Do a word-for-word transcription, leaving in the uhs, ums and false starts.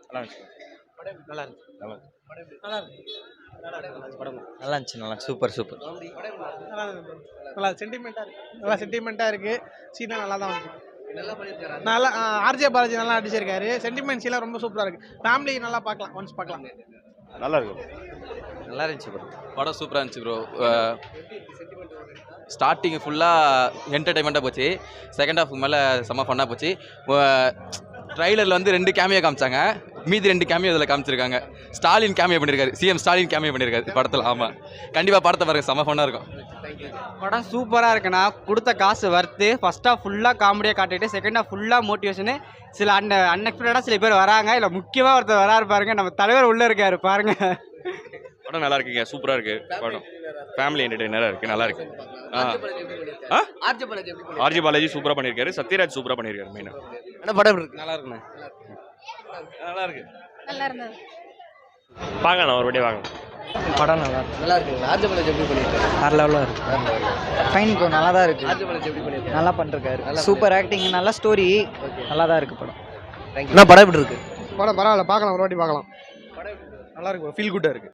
நல்லா இருந்துச்சு. நல்லா இருந்துச்சு. நல்லா நல்லா இருந்துச்சு. படம் நல்லா இருந்துச்சு. நல்லா சூப்பர் சூப்பர். நல்லா இருந்துச்சு. நல்லா சென்டிமெண்ட்டாக இருக்கு. நல்லா சென்டிமெண்ட்டாக இருக்கு. சீனா நல்லா தான் இருக்கு. நல்லா ஆர்ஜே பாலாஜி நல்லா அடிச்சிருக்காரு. சென்டிமெண்ட் சீலாம் ரொம்ப சூப்பராக இருக்கு. ஃபேமிலி நல்லா பார்க்கலாம். ஒன்ஸ் பார்க்கலாம். நல்லா இருக்கு. நல்லா இருந்துச்சு ப்ரோ. படம் சூப்பராக இருந்துச்சு ப்ரோ. ஸ்டார்டிங் ஃபுல்லாக என்டர்டைன்மெண்ட்டாக போச்சு. செகண்ட் ஹாஃப் மேலே செம்ம ஃபன்னாக போச்சு. ட்ரைலரில் வந்து ரெண்டு கேமியோ காமிச்சாங்க, மீதி ரெண்டு கேமியோ இதில் காமிச்சிருக்காங்க. ஸ்டாலின் கேமியோ பண்ணியிருக்காரு, சிஎம் ஸ்டாலின் கேமியோ பண்ணியிருக்காரு படத்தில். ஆமாம், கண்டிப்பாக படத்தை பாருங்கள், செம்ம ஃபன்னாக இருக்கும். படம் சூப்பராக இருக்குண்ணா. கொடுத்த காசு வர்த்து. ஃபர்ஸ்ட் ஹாஃப் ஃபுல்லாக காமெடியாக காட்டிட்டு செகண்ட் ஹாஃப் ஃபுல்லாக மோட்டிவேஷனு. சில அன் அன்எக்ஸ்பெக்டடாக சில பேர் வராங்க. இல்லை முக்கியமாக ஒருத்தர் வராரு பாருங்க, நம்ம தலைவர் உள்ளே இருக்காரு பாருங்க. படம் நல்லா இருக்குங்க, சூப்பராக இருக்கு படம். ஃபேமிலி என்டர்டெய்னராக இருக்கு, நல்லா இருக்கு. ஆ ஆர்ஜி பாலாஜி சூப்பராக பண்ணியிருக்காரு, சத்யராஜ் சூப்பராக பண்ணியிருக்காரு. மெயினாக என்ன படம் இருக்கு? நல்லா இருக்குண்ணே. நல்லா இருக்கு. நல்லா இருந்தது. பார்க்கலாம், ஒரு வாட்டி வாங்க. படம் நல்லா இருக்கு. நல்லா இருக்குங்களா? ஆர்ஜே பாலாஜி எப்படி பண்ணியிருக்காரு? வேற லெவலில் இருக்கு. ஃபைன் ப்ரோ, நல்லா தான் இருக்கு. ஆர்ஜே பாலாஜி எப்படி பண்ணியிருக்காரு? நல்லா பண்ணிருக்காரு. சூப்பர் ஆக்டிங், நல்ல ஸ்டோரி, நல்லா தான் இருக்கு படம். என்ன படம் எப்படி இருக்கு? படம் பரவாயில்ல, பார்க்கலாம். ஒரு வாட்டி பார்க்கலாம். நல்லா இருக்கு. ஃபீல் குட்டாக இருக்கு.